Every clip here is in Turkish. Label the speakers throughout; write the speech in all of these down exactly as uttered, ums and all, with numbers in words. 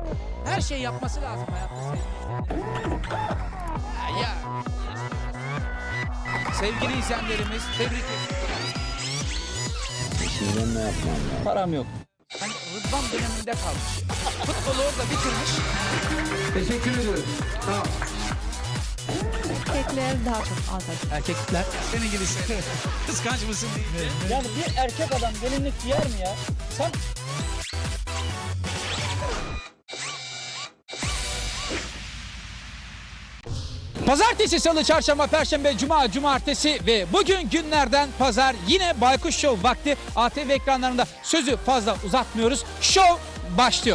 Speaker 1: Her şey yapması lazım hayatta sevgili izleyenlerimiz. Ya. Sevgili izleyenlerimiz tebrik ediyorum.
Speaker 2: Şimdi ne yapmam lazım?
Speaker 1: Param yok. Hani Rıdvan döneminde kalmış. Futbolu orada bitirmiş. Teşekkür ediyorum. Tamam.
Speaker 3: Erkekler daha çok alır.
Speaker 1: Erkekler senin gibi şey. Kıskanç mısın diye.
Speaker 4: Yani bir erkek adam gelinlik giyer mi ya? Sen
Speaker 1: Pazartesi, salı, çarşamba, perşembe, cuma, cumartesi ve bugün günlerden pazar yine Baykuş Show vakti. A T V ekranlarında sözü fazla uzatmıyoruz. Show başlıyor.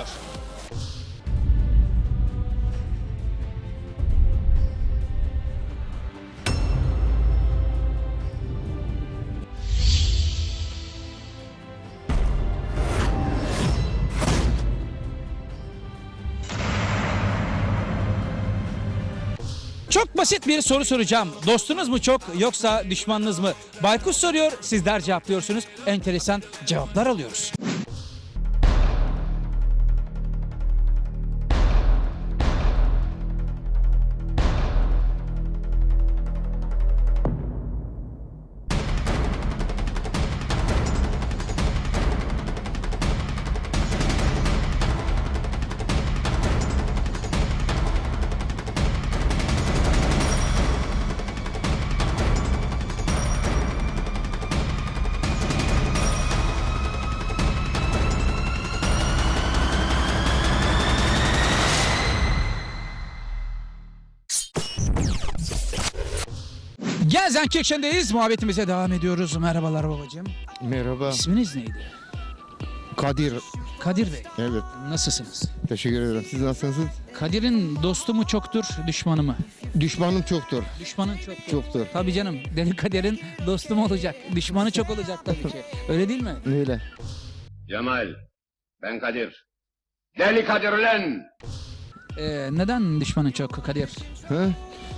Speaker 1: Çok basit bir soru soracağım. Dostunuz mu çok yoksa düşmanınız mı? Baykuş soruyor, sizler cevaplıyorsunuz. Enteresan cevaplar alıyoruz. Gelsenkirchen'deyiz. Muhabbetimize devam ediyoruz. Merhabalar babacığım.
Speaker 2: Merhaba.
Speaker 1: İsminiz neydi?
Speaker 2: Kadir.
Speaker 1: Kadir Bey.
Speaker 2: Evet.
Speaker 1: Nasılsınız?
Speaker 2: Teşekkür ederim. Siz nasılsınız?
Speaker 1: Kadir'in dostu mu çoktur, düşmanı mı?
Speaker 2: Düşmanım çoktur.
Speaker 1: Düşmanın çoktur.
Speaker 2: Çoktur.
Speaker 1: Tabii canım. Deli Kadir'in dostu mu olacak? Düşmanı çok olacak tabii ki. Öyle değil mi?
Speaker 2: Öyle.
Speaker 5: Cemal, ben Kadir. Deli Kadir ulan!
Speaker 1: Ee, neden düşmanın çok Kadir?
Speaker 2: Ha?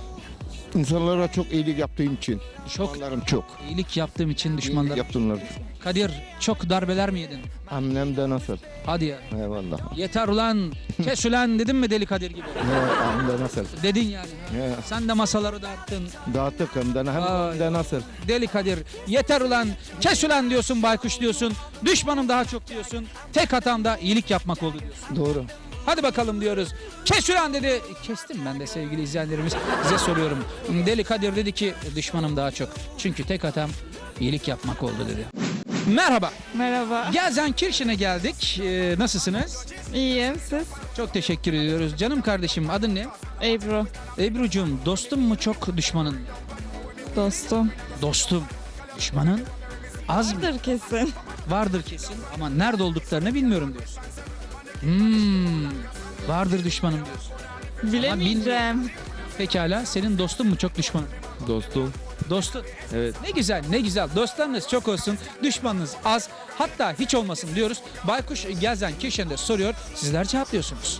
Speaker 2: İnsanlara çok iyilik yaptığım için.
Speaker 1: Çok
Speaker 2: Düşmanlarım çok.
Speaker 1: iyilik yaptığım için
Speaker 2: İyilik
Speaker 1: düşmanlar.
Speaker 2: yaptılar.
Speaker 1: Kadir çok darbeler mi yedin?
Speaker 2: Annem de nasıl?
Speaker 1: Hadi ya.
Speaker 2: Eyvallah.
Speaker 1: Yeter ulan, kes ulan dedin mi Deli Kadir gibi?
Speaker 2: Ne, annem de nasıl?
Speaker 1: Dedin yani.
Speaker 2: Ne,
Speaker 1: Sen de masaları dağıttın.
Speaker 2: dağıttık hem de hem
Speaker 1: Vay.
Speaker 2: de nasıl?
Speaker 1: Deli Kadir yeter ulan, kes ulan diyorsun, baykuş diyorsun. Düşmanım daha çok diyorsun. Tek hatam da iyilik yapmak oldu diyorsun.
Speaker 2: Doğru.
Speaker 1: Hadi bakalım diyoruz. Kes ulan dedi. Kestim ben de sevgili izleyenlerimiz. Size soruyorum. Deli Kadir dedi ki düşmanım daha çok. Çünkü tek hatam iyilik yapmak oldu dedi. Merhaba.
Speaker 3: Merhaba.
Speaker 1: Gelsenkirchen'e geldik. Ee, nasılsınız?
Speaker 3: İyiyim siz?
Speaker 1: Çok teşekkür ediyoruz. Canım kardeşim adın ne?
Speaker 3: Ebru.
Speaker 1: Ebru'cum dostum mu çok düşmanın mı?
Speaker 3: Dostum.
Speaker 1: Dostum. Düşmanın az mı?
Speaker 3: Vardır kesin.
Speaker 1: Vardır kesin ama nerede olduklarını bilmiyorum diyorsun. Hmm, vardır düşmanım diyorsun.
Speaker 3: Bilemeyeceğim.
Speaker 1: Pekala senin dostun mu çok düşmanın?
Speaker 6: Dostum.
Speaker 1: Dostun.
Speaker 6: Evet.
Speaker 1: Ne güzel ne güzel dostlarınız çok olsun, düşmanınız az, hatta hiç olmasın diyoruz. Baykuş Gelsenkirchen'de soruyor, sizler cevaplıyorsunuz.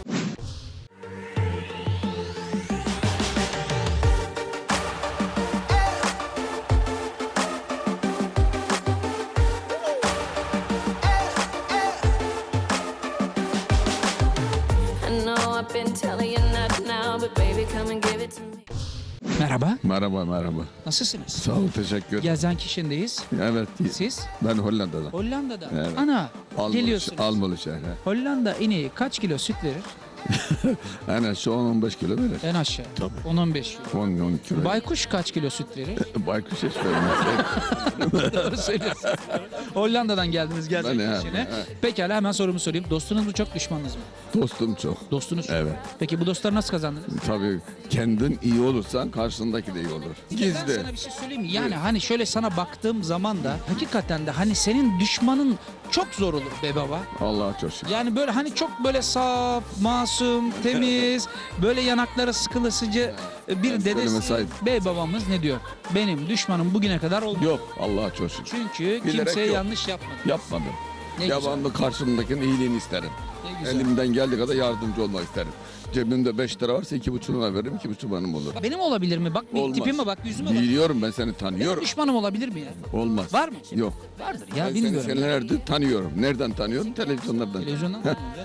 Speaker 7: I know I've been telling you not now, but baby come and give it to me.
Speaker 1: Merhaba,
Speaker 6: Merhaba merhaba.
Speaker 1: nasılsınız?
Speaker 6: Sağ ol teşekkür.
Speaker 1: Gelsenkirchen'deyiz.
Speaker 6: Evet.
Speaker 1: Siz?
Speaker 6: Ben Hollanda'dan.
Speaker 1: Hollanda'da.
Speaker 6: Evet.
Speaker 1: Ana,
Speaker 6: Almalı,
Speaker 1: geliyorsunuz.
Speaker 6: Almalı şehre.
Speaker 1: Hollanda ineği kaç kilo süt verir?
Speaker 6: En aşağı on on beş kilo verir.
Speaker 1: En aşağı.
Speaker 6: Tabii.
Speaker 1: on on beş kilo.
Speaker 6: on on kilo.
Speaker 1: Baykuş kaç kilo süt verir?
Speaker 6: Baykuş hiç vermez.
Speaker 1: Doğru söylüyorsun. Hollanda'dan geldiniz
Speaker 6: Ben-
Speaker 1: Gelsenkirchen'e.
Speaker 6: evet.
Speaker 1: Pekala hemen sorumu sorayım. Dostunuz mu çok, düşmanınız mı?
Speaker 6: Dostum çok.
Speaker 1: Dostunuz.
Speaker 6: Evet.
Speaker 1: Peki bu dostları nasıl kazandınız?
Speaker 6: Tabii kendin iyi olursan karşındaki de iyi olur.
Speaker 1: Ben
Speaker 6: Gizli.
Speaker 1: sana bir şey söyleyeyim mi? Yani hani şöyle sana baktığım zaman da hakikaten de hani senin düşmanın çok zor olur be baba.
Speaker 6: Allah'a çok şükür.
Speaker 1: Yani böyle hani çok böyle saf, masum, temiz, böyle yanakları sıkılısıcı bir
Speaker 6: Ben
Speaker 1: dedesi
Speaker 6: söyleme sahip.
Speaker 1: bey babamız ne diyor? Benim düşmanım bugüne kadar oldu.
Speaker 6: Yok Allah'a çok şükür.
Speaker 1: Çünkü
Speaker 6: Bilerek
Speaker 1: kimseye
Speaker 6: yok.
Speaker 1: yanlış yapmadı.
Speaker 6: Yapmadım.
Speaker 1: Ne güzel.
Speaker 6: Devamlı karşımdakinin iyiliğini isterim.
Speaker 1: Ne güzel.
Speaker 6: Elimden geldiği kadar yardımcı olmak isterim. Cebimde beş lira varsa iki buçuğuna veririm, iki buçuğu benim olur.
Speaker 1: Benim olabilir mi? Bak bir
Speaker 6: Olmaz.
Speaker 1: tipime bak, yüzüme bak.
Speaker 6: Biliyorum ben seni
Speaker 1: Benim
Speaker 6: tanıyorum.
Speaker 1: düşmanım olabilir mi ya?
Speaker 6: Olmaz.
Speaker 1: Var mı?
Speaker 6: Yok.
Speaker 1: Vardır ya,
Speaker 6: Ben seni
Speaker 1: bilmiyorum.
Speaker 6: senelerdir tanıyorum. Nereden tanıyorum? Televizyonlardan.
Speaker 1: Televizyondan tanıyorum canım yani.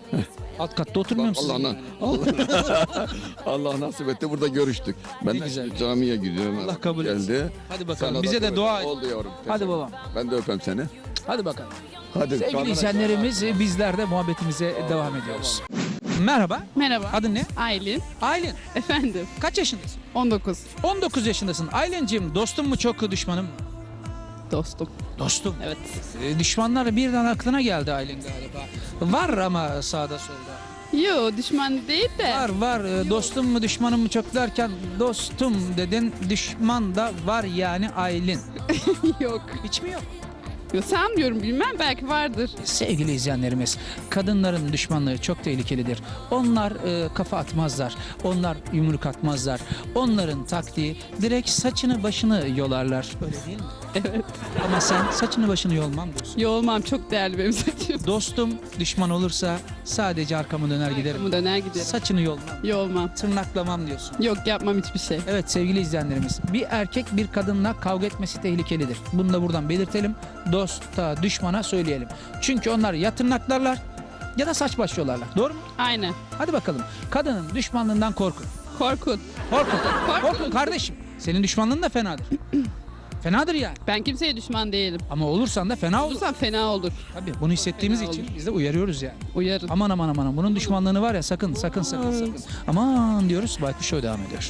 Speaker 1: Alt katta oturmuyor musunuz?
Speaker 6: Allah, Allah, Allah nasip etti burada görüştük. Ben
Speaker 1: Ne
Speaker 6: de
Speaker 1: güzel.
Speaker 6: camiye gidiyorum.
Speaker 1: Allah kabul etsin.
Speaker 6: Geldi.
Speaker 1: Hadi bakalım.
Speaker 6: Sana
Speaker 1: Bize de
Speaker 6: kabul-
Speaker 1: dua et.
Speaker 6: Oldu yavrum.
Speaker 1: Hadi babam.
Speaker 6: Ben de öpeyim seni.
Speaker 1: Hadi bakalım.
Speaker 6: Hadi.
Speaker 1: Sevgili
Speaker 6: kamera-
Speaker 1: izleyenlerimiz e, bizler de muhabbetimize devam ediyoruz. Merhaba.
Speaker 8: Merhaba.
Speaker 1: Adın ne?
Speaker 8: Aylin.
Speaker 1: Aylin.
Speaker 8: Efendim.
Speaker 1: Kaç yaşındasın?
Speaker 8: on dokuz.
Speaker 1: on dokuz yaşındasın. Aylin'cim dostum mu çok düşmanım mı?
Speaker 8: Dostum.
Speaker 1: Dostum.
Speaker 8: Evet.
Speaker 1: E, düşmanlar birden aklına geldi Aylin galiba. Var ama sağda solda.
Speaker 8: Yo düşman değil de.
Speaker 1: Var var. E, dostum mu düşmanım mı çok derken dostum dedin. Düşman da var yani Aylin.
Speaker 8: Yok.
Speaker 1: Hiç mi yok?
Speaker 8: Yo sanmıyorum bilmem belki vardır.
Speaker 1: Sevgili izleyenlerimiz, kadınların düşmanlığı çok tehlikelidir. Onlar e, kafa atmazlar, onlar yumruk atmazlar. Onların taktiği direkt saçını başını yolarlar. Öyle değil mi?
Speaker 8: Evet.
Speaker 1: Ama sen saçını başını yolmam diyorsun.
Speaker 8: Yo olmam çok değerli benim saçım.
Speaker 1: Dostum düşman olursa sadece arkamı döner giderim.
Speaker 8: Arkamı döner giderim.
Speaker 1: Saçını yolmam,
Speaker 8: Yo olmam.
Speaker 1: tırnaklamam diyorsun.
Speaker 8: Yok yapmam hiçbir şey.
Speaker 1: Evet sevgili izleyenlerimiz, bir erkek bir kadınla kavga etmesi tehlikelidir. Bunu da buradan belirtelim. Dosta, düşmana söyleyelim. Çünkü onlar ya tırnaklarlar ya da saç baş yolarlar. Doğru mu?
Speaker 8: Aynen.
Speaker 1: Hadi bakalım. Kadının düşmanlığından korkun.
Speaker 8: Korkun.
Speaker 1: Korkun. Korkun kardeşim. Senin düşmanlığın da fenadır. Fenadır yani.
Speaker 8: Ben kimseye düşman değilim.
Speaker 1: Ama olursan da fena olur.
Speaker 8: Olursam fena olur.
Speaker 1: Tabii bunu hissettiğimiz
Speaker 8: Fena
Speaker 1: için
Speaker 8: olur.
Speaker 1: biz de uyarıyoruz yani.
Speaker 8: Uyarın.
Speaker 1: Aman aman aman aman. Bunun düşmanlığını var ya sakın sakın sakın sakın. Aman diyoruz. Baykuş Show devam ediyor.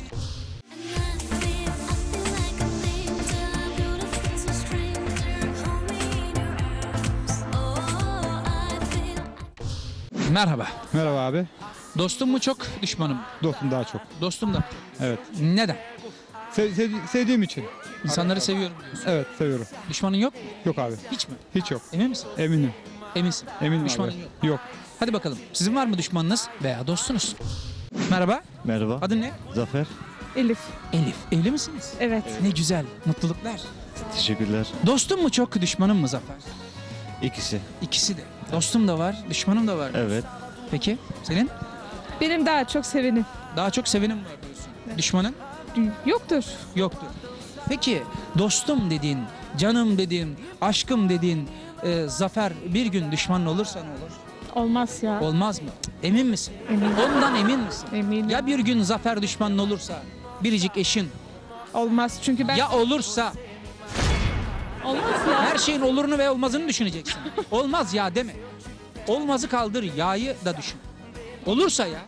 Speaker 1: Merhaba.
Speaker 9: Merhaba abi.
Speaker 1: Dostum mu çok, düşmanım mı?
Speaker 9: Dostum daha çok.
Speaker 1: Dostum da.
Speaker 9: Evet.
Speaker 1: Neden?
Speaker 9: Se- sev- sevdiğim için.
Speaker 1: İnsanları seviyorum diyorsun.
Speaker 9: Evet seviyorum.
Speaker 1: Düşmanın yok mu?
Speaker 9: Yok abi.
Speaker 1: Hiç mi?
Speaker 9: Hiç yok.
Speaker 1: Emin misin?
Speaker 9: Eminim.
Speaker 1: Eminsin.
Speaker 9: Eminim
Speaker 1: Düşmanın
Speaker 9: abi.
Speaker 1: yok.
Speaker 9: Yok.
Speaker 1: Hadi bakalım. Sizin var mı düşmanınız veya dostunuz? Merhaba.
Speaker 10: Merhaba.
Speaker 1: Adın ne?
Speaker 10: Zafer.
Speaker 3: Elif.
Speaker 1: Elif. Evli misiniz?
Speaker 3: Evet.
Speaker 1: Ne güzel. Mutluluklar.
Speaker 10: Teşekkürler.
Speaker 1: Dostum mu çok, düşmanım mı Zafer?
Speaker 10: İkisi.
Speaker 1: İkisi de. Dostum da var, düşmanım da var.
Speaker 10: Evet.
Speaker 1: Peki senin?
Speaker 3: Benim daha çok sevenim.
Speaker 1: Daha çok sevenim var diyorsun. Düşmanın?
Speaker 3: Yoktur.
Speaker 1: Yoktur. Peki dostum dediğin, canım dediğin, aşkım dediğin e, Zafer bir gün düşmanın olursa ne olur?
Speaker 3: Olmaz ya.
Speaker 1: Olmaz mı? Emin misin?
Speaker 3: Eminim.
Speaker 1: Ondan emin misin?
Speaker 3: Eminim.
Speaker 1: Ya bir gün Zafer düşmanın olursa, biricik eşin,
Speaker 3: Olmaz çünkü ben...
Speaker 1: ya olursa
Speaker 3: Olmaz ya.
Speaker 1: her şeyin olurunu ve olmazını düşüneceksin. Olmaz ya deme. Olmazı kaldır, ya'yı da düşün. Olursa ya.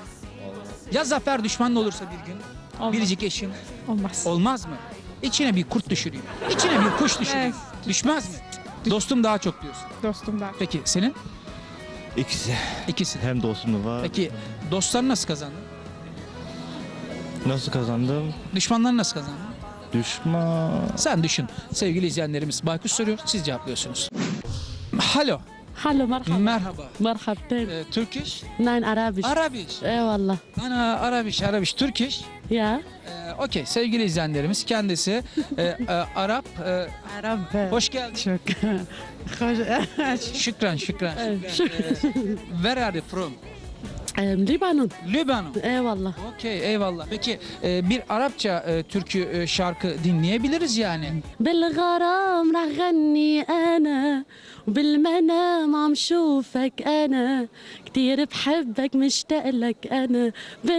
Speaker 1: Ya Zafer düşmanın olursa bir gün,
Speaker 3: Olmaz.
Speaker 1: biricik eşin,
Speaker 3: Olmaz.
Speaker 1: olmaz mı? İçine bir kurt düşüreyim. İçine bir kuş düşüreyim. Düşmez mi? Dostum daha çok diyorsun.
Speaker 3: Dostum da.
Speaker 1: Peki senin?
Speaker 10: İkisi.
Speaker 1: İkisi.
Speaker 10: Hem dostum da var.
Speaker 1: Peki dostlarını nasıl kazandın?
Speaker 10: Nasıl kazandım?
Speaker 1: Düşmanlarını nasıl kazandın?
Speaker 10: Düşman.
Speaker 1: Sen düşün. Sevgili izleyenlerimiz Baykuş soruyor, siz cevaplıyorsunuz. Halo.
Speaker 11: Hallo مرحبا
Speaker 1: Merhaba.
Speaker 11: مرحبتين
Speaker 1: Ee, Turkish?
Speaker 11: ناين عربي
Speaker 1: Arabiş.
Speaker 11: اي والله
Speaker 1: Ana Arabiş, Arabiş, Turkish.
Speaker 11: يا
Speaker 1: Ee, Okey sevgili izleyenlerimiz kendisi e, e, Arap. E,
Speaker 11: عرب
Speaker 1: hoş geldin.
Speaker 11: شكرا
Speaker 1: Şükran, şükran. şükran. Ee, where are you from?
Speaker 11: لبنان
Speaker 1: Lübnan.
Speaker 11: اي والله
Speaker 1: Okey eyvallah. Peki e, bir Arapça e, türkü e, şarkı dinleyebiliriz yani.
Speaker 11: بالغرام رح غني انا وبالمنام عم شوفك انا كتير بحبك مشتاق لك انا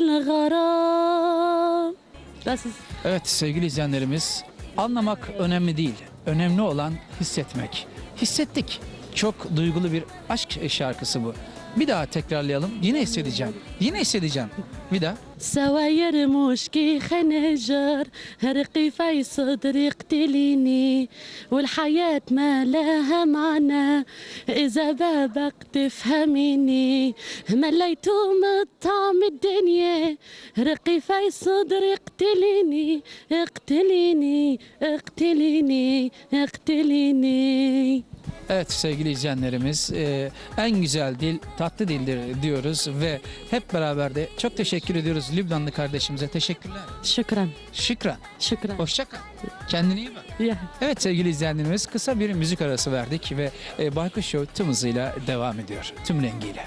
Speaker 11: بالغرام بس
Speaker 1: Evet sevgili izleyenlerimiz, anlamak önemli değil. Önemli olan hissetmek. Hissettik. Çok duygulu bir aşk şarkısı bu. Bir daha tekrarlayalım. Yine hissedeceğim. Yine hissedeceğim. Bir daha.
Speaker 11: سوا يرموش كي خنجر هرقي في صدري اقتليني والحياة ما لها معنى إذا بابك تفهميني مليتو من طعم الدنيا رقي في صدري اقتليني اقتليني اقتليني اقتليني
Speaker 1: Evet sevgili izleyenlerimiz, e, en güzel dil tatlı dildir diyoruz ve hep beraber de çok teşekkür ediyoruz Lübnanlı kardeşimize. Teşekkürler.
Speaker 11: شكرا
Speaker 1: Şükran.
Speaker 11: شكرا
Speaker 1: Hoşça kal. Kendine iyi bak.
Speaker 11: يا
Speaker 1: Evet sevgili izleyenlerimiz, kısa bir müzik arası verdik ve e, Baykuş Show tüm hızıyla devam ediyor. Tüm rengiyle.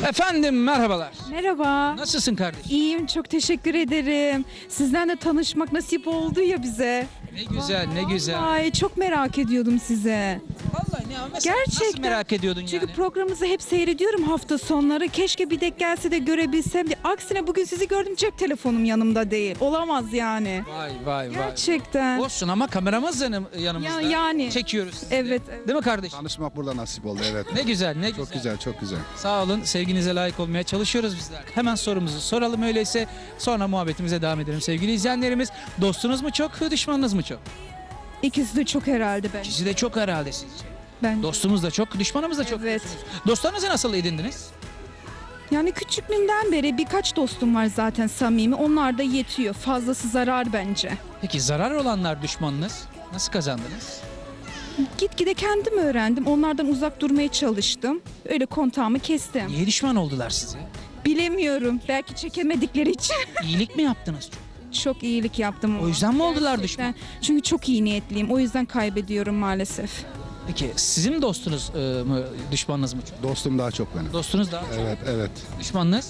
Speaker 1: Efendim merhabalar.
Speaker 3: Merhaba.
Speaker 1: Nasılsın kardeşim?
Speaker 3: İyiyim, çok teşekkür ederim. Sizden de tanışmak nasip oldu ya bize.
Speaker 1: Ne güzel, ne güzel.
Speaker 3: Ay çok merak ediyordum size.
Speaker 1: Vallahi ne ama mesela nasıl
Speaker 3: Gerçekten.
Speaker 1: merak ediyordun
Speaker 3: Çünkü
Speaker 1: yani?
Speaker 3: programınızı hep seyrediyorum hafta sonları. Keşke bir denk gelse de görebilsem diye. Aksine bugün sizi gördüm, cep telefonum yanımda değil. Olamaz yani.
Speaker 1: Vay vay vay.
Speaker 3: Gerçekten.
Speaker 1: Olsun ama kameramız yanım, yanımızda.
Speaker 3: Ya- yani.
Speaker 1: Çekiyoruz sizi.
Speaker 3: Evet, evet.
Speaker 1: Değil mi kardeşim?
Speaker 2: Tanışmak burada nasip oldu evet.
Speaker 1: Ne güzel, ne güzel.
Speaker 2: Çok güzel, çok güzel.
Speaker 1: Sağ olun, sevginize layık olmaya çalışıyoruz bizler. Hemen sorumuzu soralım öyleyse, sonra muhabbetimize devam edelim sevgili izleyenlerimiz. Dostunuz mu çok, düşmanınız mı çok?
Speaker 3: İkisi de çok herhalde ben.
Speaker 1: İkisi de çok herhalde sizce.
Speaker 3: Ben.
Speaker 1: Dostumuz da çok, düşmanımız da çok.
Speaker 3: Evet.
Speaker 1: Dostlarınızı nasıl edindiniz?
Speaker 3: Yani küçüklüğümden beri birkaç dostum var zaten samimi. Onlar da yetiyor. Fazlası zarar bence.
Speaker 1: Peki zarar olanlar düşmanınız nasıl kazandınız?
Speaker 3: Gitgide kendim öğrendim. Onlardan uzak durmaya çalıştım. Öyle kontağımı kestim.
Speaker 1: Niye düşman oldular size?
Speaker 3: Bilemiyorum. Belki çekemedikleri için.
Speaker 1: İyilik mi yaptınız çok?
Speaker 3: Çok iyilik yaptım.
Speaker 1: O yüzden mi oldular
Speaker 3: Gerçekten.
Speaker 1: düşman?
Speaker 3: Çünkü çok iyi niyetliyim. O yüzden kaybediyorum maalesef.
Speaker 1: Peki sizin dostunuz e, mı, düşmanınız mı çok?
Speaker 2: Dostum daha çok benim.
Speaker 1: Dostunuz da
Speaker 2: Evet, evet.
Speaker 1: düşmanınız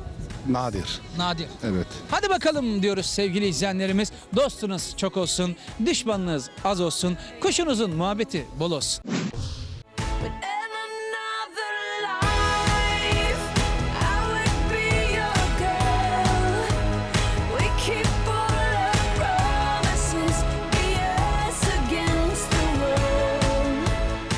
Speaker 2: Nadir.
Speaker 1: nadir.
Speaker 2: Evet.
Speaker 1: Hadi bakalım diyoruz sevgili izleyenlerimiz. Dostunuz çok olsun, düşmanınız az olsun, kuşunuzun muhabbeti bol olsun.
Speaker 7: But in another life, I would be your girl. We keep all our promises, be us against the world.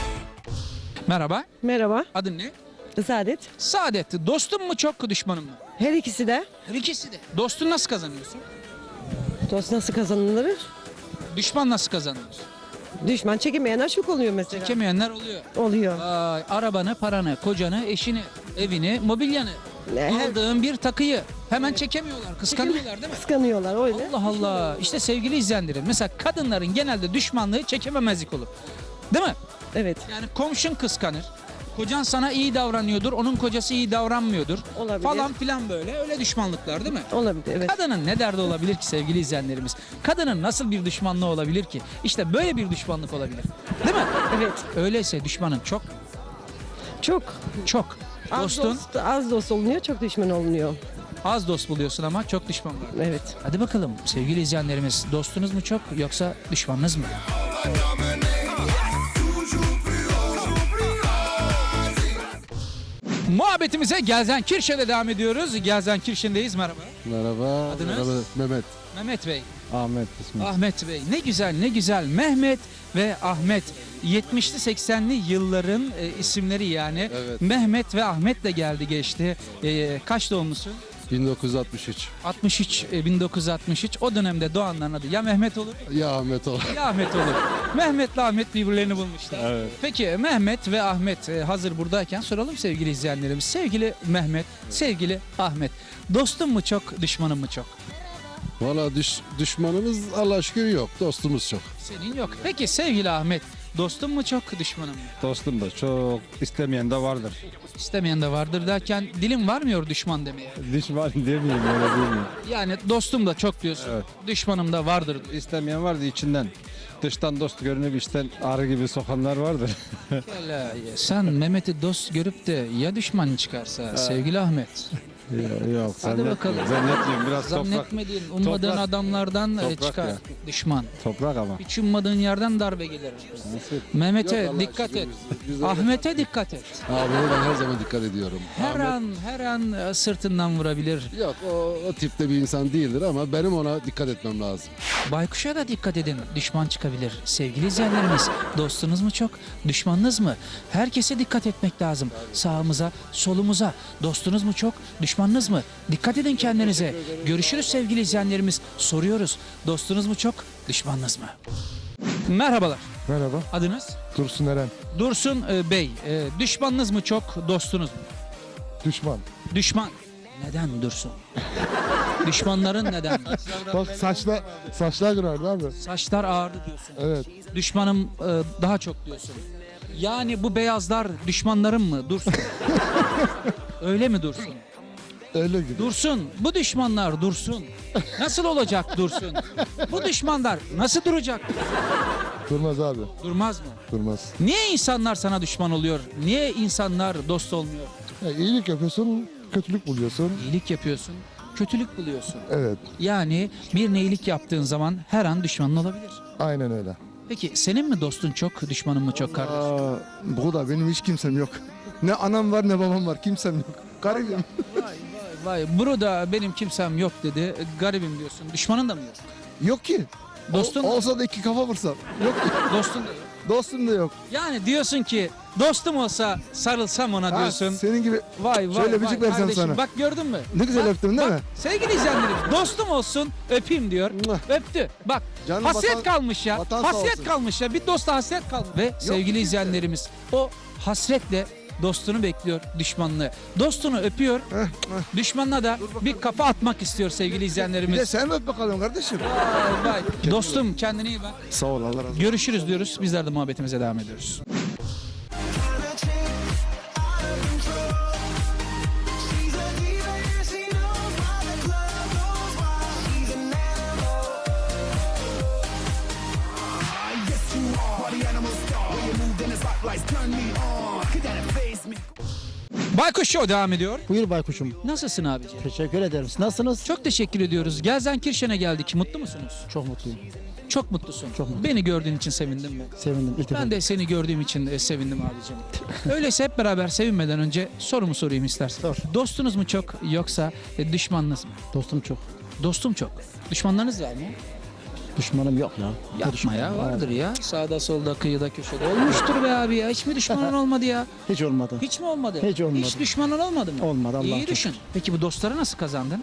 Speaker 1: Merhaba,
Speaker 12: Merhaba,
Speaker 1: adın ne?
Speaker 12: Saadet.
Speaker 1: Saadet, dostun mu çok, düşmanın mı?
Speaker 12: Her ikisi de.
Speaker 1: Her ikisi de. Dostun nasıl kazanıyorsun?
Speaker 12: Dost nasıl kazanılır?
Speaker 1: Düşman nasıl kazanılır?
Speaker 12: Düşman çekemeyenler çok oluyor mesela.
Speaker 1: Çekemeyenler oluyor.
Speaker 12: Oluyor.
Speaker 1: Vay, arabanı, paranı, kocanı, eşini, evini, mobilyanı,
Speaker 12: Her-
Speaker 1: aldığın bir takıyı hemen çekemiyorlar, kıskanıyorlar değil mi?
Speaker 12: Kıskanıyorlar öyle.
Speaker 1: Allah Allah. İşte sevgili izleyenlerim, mesela kadınların genelde düşmanlığı çekememezlik olur. Değil mi?
Speaker 12: Evet,
Speaker 1: Yani komşun kıskanır. Kocan sana iyi davranıyordur, onun kocası iyi davranmıyordur.
Speaker 12: olabilir.
Speaker 1: Falan filan böyle. Öyle düşmanlıklar değil mi?
Speaker 12: Olabilir, evet.
Speaker 1: Kadının ne derdi olabilir ki sevgili izleyenlerimiz? Kadının nasıl bir düşmanlığı olabilir ki? İşte böyle bir düşmanlık olabilir. Değil mi?
Speaker 12: Evet,
Speaker 1: Öyleyse düşmanın çok
Speaker 12: çok.
Speaker 1: çok.
Speaker 12: Az
Speaker 1: Dostun
Speaker 12: dost, az dost olunuyor, çok düşman olunuyor.
Speaker 1: az dost buluyorsun ama çok düşman var.
Speaker 12: Evet.
Speaker 1: Hadi bakalım sevgili izleyenlerimiz, dostunuz mu çok yoksa düşmanınız mı? Muhabbetimize Gelsenkirchen'de devam ediyoruz. Gelsenkirchen'deyiz. Merhaba.
Speaker 2: Merhaba.
Speaker 1: Adınız?
Speaker 2: Merhaba, Mehmet.
Speaker 1: Mehmet Bey.
Speaker 2: Ahmet ismi.
Speaker 1: Ahmet Bey. Ne güzel ne güzel. Mehmet ve Ahmet. yetmişli seksenli yılların e, isimleri yani.
Speaker 2: Evet.
Speaker 1: Mehmet ve Ahmet de geldi geçti. E, kaç doğumlusun?
Speaker 2: bin dokuz yüz altmış üç.
Speaker 1: altmış üç, e, bin dokuz yüz altmış üç. O dönemde doğanların adı ya Mehmet olur
Speaker 2: Ya Ahmet ol.
Speaker 1: ya Ahmet olur. Mehmet'le Ahmet birbirlerini bulmuşlar.
Speaker 2: Evet.
Speaker 1: Peki Mehmet ve Ahmet e, hazır buradayken soralım sevgili izleyenlerimiz. Sevgili Mehmet, sevgili Ahmet. Dostun mu çok, düşmanın mı çok?
Speaker 2: Valla düş, düşmanımız Allah'a şükür yok. Dostumuz çok.
Speaker 1: Senin yok. Peki sevgili Ahmet, dostun mu çok, düşmanın mı?
Speaker 9: Dostum da çok, istemeyen de vardır.
Speaker 1: İstemeyen de vardır derken dilim varmıyor düşman demeye.
Speaker 9: Düşman demeyeyim öyle demeyeyim.
Speaker 1: Yani dostum da çok diyorsun,
Speaker 9: Evet.
Speaker 1: düşmanım da vardır.
Speaker 9: İstemeyen vardı içinden. Dıştan dost görünüp içten arı gibi sokanlar vardır.
Speaker 1: Hele, sen Mehmet'i dost görüp de ya düşman çıkarsa sevgili Ahmet.
Speaker 9: Yok
Speaker 1: Hadi bakalım.
Speaker 9: Zannetmiyorum biraz toprak.
Speaker 1: Zannetmediğin, ummadığın
Speaker 9: toprak-
Speaker 1: adamlardan e,
Speaker 9: toprak
Speaker 1: çıkar
Speaker 9: ya.
Speaker 1: düşman.
Speaker 9: Toprak ama.
Speaker 1: Hiç ummadığın yerden darbe gelir. Mehmet'e dikkat et. Ahmet'e dikkat et.
Speaker 2: Abi ben her zaman dikkat ediyorum.
Speaker 1: Her an her an e, sırtından vurabilir.
Speaker 2: Yok o, o tipte bir insan değildir ama benim ona dikkat etmem lazım.
Speaker 1: Baykuş'a da dikkat edin. Düşman çıkabilir. Sevgili izleyenlerimiz, dostunuz mu çok, düşmanınız mı? Herkese dikkat etmek lazım. Sağımıza, solumuza. Dostunuz mu çok, düşmanınız mı? Dikkat edin kendinize. Görüşürüz sevgili izleyenlerimiz. Soruyoruz. Dostunuz mu çok, düşmanınız mı? Merhabalar.
Speaker 9: Merhaba.
Speaker 1: Adınız?
Speaker 9: Dursun Eren.
Speaker 1: Dursun e, Bey. E, düşmanınız mı çok, dostunuz mu?
Speaker 9: Düşman.
Speaker 1: Düşman. Neden Dursun? Düşmanların neden?
Speaker 9: Bak saçla, saçlar kırardı abi.
Speaker 1: Saçlar ağırdı diyorsun.
Speaker 9: Evet.
Speaker 1: Düşmanım e, daha çok diyorsun. Yani bu beyazlar düşmanlarım mı Dursun? Öyle mi Dursun?
Speaker 9: Öyle gibi.
Speaker 1: Dursun. Bu düşmanlar dursun. Nasıl olacak Dursun? Bu düşmanlar nasıl duracak?
Speaker 2: Durmaz abi.
Speaker 1: Durmaz mı?
Speaker 2: Durmaz.
Speaker 1: Niye insanlar sana düşman oluyor? Niye insanlar dost olmuyor?
Speaker 2: Ya, iyilik yapıyorsun, kötülük buluyorsun.
Speaker 1: İyilik yapıyorsun, kötülük buluyorsun.
Speaker 2: Evet.
Speaker 1: Yani bir iyilik yaptığın zaman her an düşmanın olabilir.
Speaker 2: Aynen öyle.
Speaker 1: Peki senin mi dostun çok, düşmanın mı çok kardeş?
Speaker 2: Aa, bu da benim hiç kimsem yok. Ne anam var ne babam var. Kimsem yok. Garibim.
Speaker 1: Vay vay vay. Burada benim kimsem yok dedi. Garibim diyorsun. Düşmanın da mı yok?
Speaker 2: Yok ki.
Speaker 1: Dostun
Speaker 2: Ol- olsa da iki kafa vursam. Yok ki.
Speaker 1: Dostun da yok.
Speaker 2: Dostum da yok.
Speaker 1: Yani diyorsun ki dostum olsa sarılsam ona
Speaker 2: Ha,
Speaker 1: diyorsun.
Speaker 2: senin gibi
Speaker 1: Vay vay
Speaker 2: şöyle
Speaker 1: vay
Speaker 2: öpücük versem
Speaker 1: kardeşim,
Speaker 2: sana.
Speaker 1: bak gördün mü?
Speaker 2: Ne güzel
Speaker 1: Bak,
Speaker 2: öptün değil
Speaker 1: bak,
Speaker 2: mi?
Speaker 1: Sevgili izleyenlerim dostum olsun öpeyim diyor. Öptü. Bak
Speaker 2: Canım
Speaker 1: hasret
Speaker 2: vatan-
Speaker 1: kalmış ya.
Speaker 2: vatan sağ
Speaker 1: Hasret
Speaker 2: olsun.
Speaker 1: kalmış ya. Bir dosta hasret kalmış. Ve sevgili
Speaker 2: ki
Speaker 1: izleyenlerimiz o hasretle dostunu bekliyor düşmanını. Dostunu öpüyor. Düşmanına da bir kafa atmak istiyor sevgili
Speaker 2: Bir de
Speaker 1: izleyenlerimiz.
Speaker 2: sen öp bakalım kardeşim.
Speaker 1: Vay vay. Dostum kendine iyi bak.
Speaker 2: Sağ ol Allah razı olsun.
Speaker 1: Görüşürüz diyoruz. Bizler de muhabbetimize devam ediyoruz. Baykuş Show devam ediyor.
Speaker 4: Buyur baykuşum.
Speaker 1: Nasılsın abiciğim?
Speaker 4: Teşekkür ederim. Siz nasılsınız?
Speaker 1: Çok teşekkür ediyoruz. Gelsenkirchen'e geldik. Mutlu musunuz?
Speaker 4: Çok mutluyum.
Speaker 1: Çok mutlusun.
Speaker 4: Çok mutluyum.
Speaker 1: Beni gördüğün için sevindin mi?
Speaker 4: Sevindim. İlk defa.
Speaker 1: Ben de seni gördüğüm için e, sevindim abicim. Öyleyse hep beraber sevinmeden önce sorumu sorayım istersen.
Speaker 4: Sor.
Speaker 1: Dostunuz mu çok yoksa e, düşmanınız mı?
Speaker 4: Dostum çok.
Speaker 1: Dostum çok. Düşmanlarınız var mı?
Speaker 4: Düşmanım yok ya.
Speaker 1: Yapma ya, vardır ya. Sağda solda kıyıda köşede. Olmuştur be abi ya. Hiç mi düşmanın olmadı ya?
Speaker 4: Hiç olmadı.
Speaker 1: Hiç mi olmadı?
Speaker 4: Hiç olmadı.
Speaker 1: Hiç düşmanın olmadı mı?
Speaker 4: Olmadı, Allah'a
Speaker 1: İyi
Speaker 4: şükür.
Speaker 1: düşün. Peki bu dostları nasıl kazandın?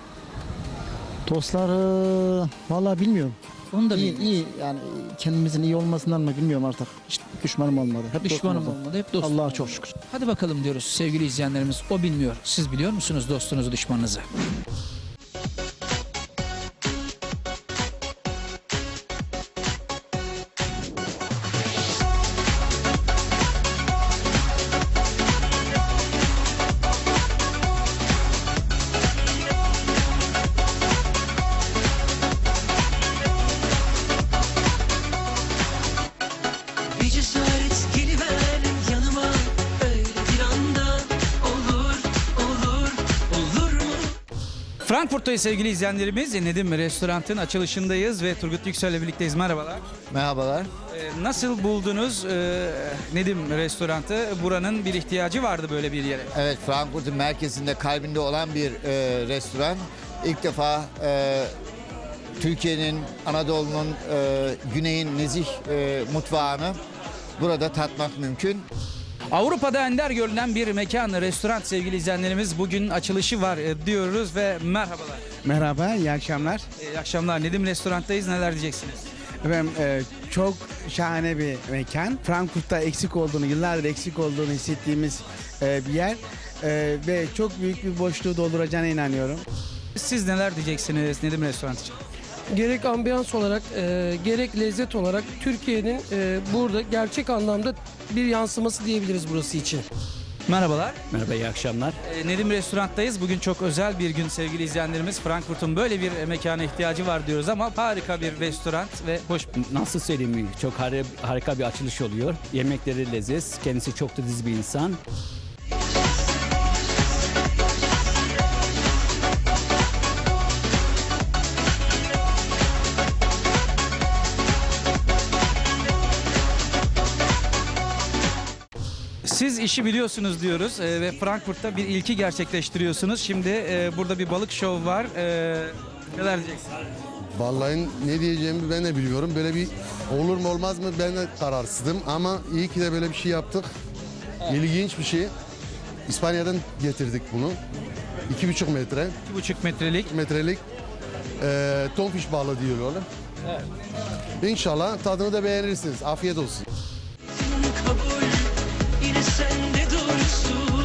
Speaker 4: Dostları vallahi bilmiyorum.
Speaker 1: Onu da
Speaker 4: İyi,
Speaker 1: bilmiyorum.
Speaker 4: iyi yani kendimizin iyi olmasından mı bilmiyorum artık. Hiç düşmanım olmadı. Hep
Speaker 1: Düşmanım
Speaker 4: dostum oldu.
Speaker 1: olmadı. Hep dostum.
Speaker 4: Allah'a çok şükür.
Speaker 1: Hadi bakalım diyoruz sevgili izleyenlerimiz. O bilmiyor. Siz biliyor musunuz dostunuzu, düşmanınızı?
Speaker 13: Bir cesaret geliver yanıma öyle bir anda olur olur olur mu?
Speaker 1: Frankfurt'tayız sevgili izleyenlerimiz. Nedim Restorant'ın açılışındayız ve Turgut Yüksel'le birlikteyiz. Merhabalar.
Speaker 10: Merhabalar.
Speaker 1: Ee, nasıl buldunuz e, Nedim Restorant'ı? Buranın bir ihtiyacı vardı böyle bir yere.
Speaker 10: Evet, Frankfurt'un merkezinde, kalbinde olan bir e, restoran. İlk defa e, Türkiye'nin, Anadolu'nun, e, güneyin nezih e, mutfağını burada tatmak mümkün.
Speaker 1: Avrupa'da ender görülen bir mekan, restoran sevgili izleyenlerimiz. Bugün açılışı var e, diyoruz ve merhabalar.
Speaker 14: Merhaba, iyi akşamlar.
Speaker 1: İyi akşamlar. Nedim Restorant'tayız. Neler diyeceksiniz?
Speaker 14: Efendim, e, çok şahane bir mekan. Frankfurt'ta eksik olduğunu, yıllardır eksik olduğunu hissettiğimiz e, bir yer. E, ve çok büyük bir boşluğu dolduracağına inanıyorum.
Speaker 1: Siz neler diyeceksiniz Nedim Restoran için?
Speaker 12: Gerek ambiyans olarak e, gerek lezzet olarak Türkiye'nin e, burada gerçek anlamda bir yansıması diyebiliriz burası için.
Speaker 1: Merhabalar.
Speaker 14: Merhaba, iyi akşamlar.
Speaker 1: Ee, Nedim Restorant'tayız. Bugün çok özel bir gün sevgili izleyenlerimiz. Frankfurt'un böyle bir mekana ihtiyacı var diyoruz ama harika bir restoran ve hoş.
Speaker 14: Nasıl söyleyeyim, çok harika bir açılış oluyor. Yemekleri leziz, kendisi çok da diz bir insan.
Speaker 1: Siz işi biliyorsunuz diyoruz e, ve Frankfurt'ta bir ilki gerçekleştiriyorsunuz. Şimdi e, burada bir balık şovu var. E, neler diyeceksiniz?
Speaker 2: Vallahi ne diyeceğimi ben de biliyorum. Böyle bir olur mu olmaz mı ben de kararsızdım. Ama iyi ki de böyle bir şey yaptık. İlginç bir şey. İspanya'dan getirdik bunu. İki buçuk metre.
Speaker 1: iki buçuk metrelik.
Speaker 2: metrelik e, tonfiş balığı diyorlar.
Speaker 1: Evet.
Speaker 2: İnşallah tadını da beğenirsiniz. Afiyet olsun.
Speaker 13: Kabul yine sende dursun.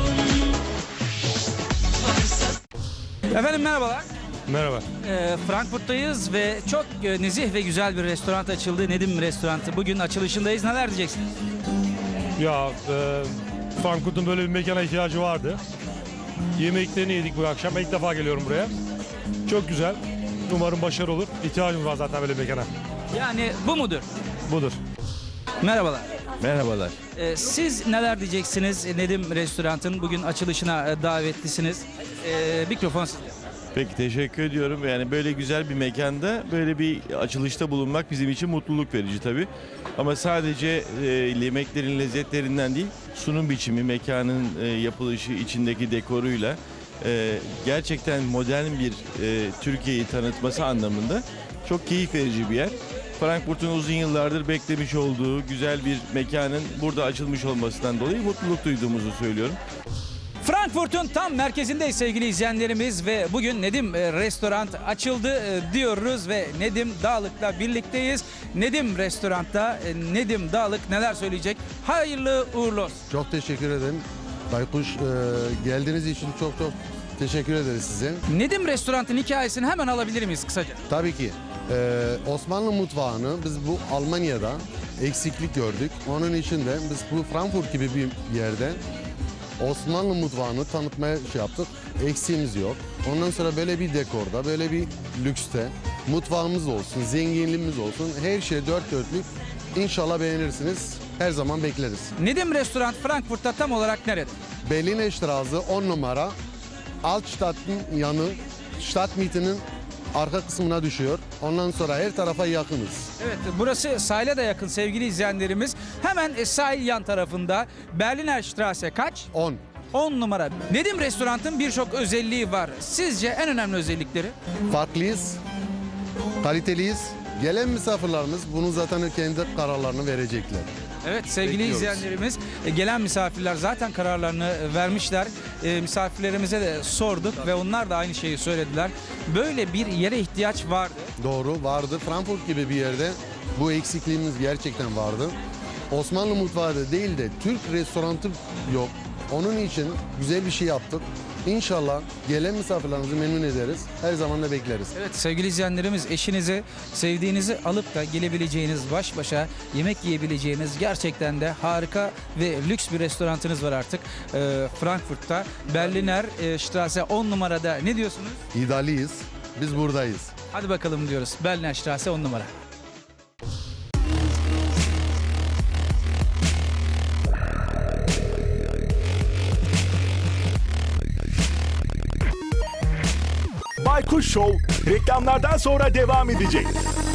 Speaker 13: Varsa
Speaker 1: Efendim merhabalar.
Speaker 15: Merhaba.
Speaker 1: E, Frankfurt'tayız ve çok e, nezih ve güzel bir restoran açıldı. Nedim Restorantı. Bugün açılışındayız. Neler diyeceksiniz?
Speaker 15: Ya e, Frankfurt'un böyle bir mekana ihtiyacı vardı. Yemeklerini yedik bu akşam. Ben ilk defa geliyorum buraya. Çok güzel. Umarım başarılı olur. İhtiyacımız var zaten böyle bir mekana.
Speaker 1: Yani bu mudur?
Speaker 15: Budur.
Speaker 1: Merhabalar.
Speaker 16: Merhabalar.
Speaker 1: Ee, siz neler diyeceksiniz Nedim Restorant'ın bugün açılışına e, davetlisiniz. Ee, mikrofon sizde.
Speaker 16: Peki teşekkür ediyorum. Yani böyle güzel bir mekanda böyle bir açılışta bulunmak bizim için mutluluk verici tabii. Ama sadece e, yemeklerin lezzetlerinden değil, sunum biçimi, mekanın e, yapılışı, içindeki dekoruyla e, gerçekten modern bir e, Türkiye'yi tanıtması anlamında çok keyif verici bir yer. Frankfurt'un uzun yıllardır beklemiş olduğu güzel bir mekanın burada açılmış olmasından dolayı mutluluk duyduğumuzu söylüyorum.
Speaker 1: Frankfurt'un tam merkezindeyiz sevgili izleyenlerimiz ve bugün Nedim e, Restoran açıldı e, diyoruz ve Nedim Dağlık'la birlikteyiz. Nedim Restorant'ta e, Nedim Dağlık neler söyleyecek? Hayırlı uğurlu olsun.
Speaker 2: Çok teşekkür ederim. Baykuş e, geldiğiniz için çok çok teşekkür ederiz size.
Speaker 1: Nedim Restorant'ın hikayesini hemen alabilir miyiz kısaca?
Speaker 2: Tabii ki. Ee, Osmanlı mutfağını biz bu Almanya'da eksiklik gördük. Onun için de biz bu Frankfurt gibi bir yerde Osmanlı mutfağını tanıtmaya şey yaptık. Eksiğimiz yok. Ondan sonra böyle bir dekorda, böyle bir lükste mutfağımız olsun, zenginliğimiz olsun. Her şey dört dörtlük. İnşallah beğenirsiniz. Her zaman bekleriz.
Speaker 1: Nedim Restoran Frankfurt'ta tam olarak nerede?
Speaker 2: Berliner Straße on numara. Altstadt'ın yanı, Stadtmitte'nin arka kısmına düşüyor. Ondan sonra her tarafa yakınız.
Speaker 1: Evet, burası sahile de yakın sevgili izleyenlerimiz. Hemen e, sahil yan tarafında Berliner Straße kaç?
Speaker 2: on.
Speaker 1: on numara. Nedim Restorant'ın birçok özelliği var. Sizce en önemli özellikleri?
Speaker 2: Farklıyız, kaliteliyiz. Gelen misafirlerimiz bunu zaten kendi kararlarını verecekler.
Speaker 1: Evet sevgili
Speaker 2: Bekliyoruz.
Speaker 1: izleyenlerimiz, e, gelen misafirler zaten kararlarını e, vermişler. E, misafirlerimize de sorduk ve onlar da aynı şeyi söylediler. Böyle bir yere ihtiyaç vardı.
Speaker 2: Doğru, vardı. Frankfurt gibi bir yerde bu eksikliğimiz gerçekten vardı. Osmanlı mutfağı da değil de Türk restoranı yok. Onun için güzel bir şey yaptık. İnşallah gelen misafirlerimizi memnun ederiz. Her zaman da bekleriz.
Speaker 1: Evet sevgili izleyenlerimiz, eşinizi, sevdiğinizi alıp da gelebileceğiniz, baş başa yemek yiyebileceğiniz gerçekten de harika ve lüks bir restoranınız var artık. Ee, Frankfurt'ta Berliner e, Straße on numarada. Ne diyorsunuz?
Speaker 2: İddialıyız. Biz buradayız.
Speaker 1: Hadi bakalım diyoruz. Berliner Straße on numara.
Speaker 17: Baykuş Show reklamlardan sonra devam edecek.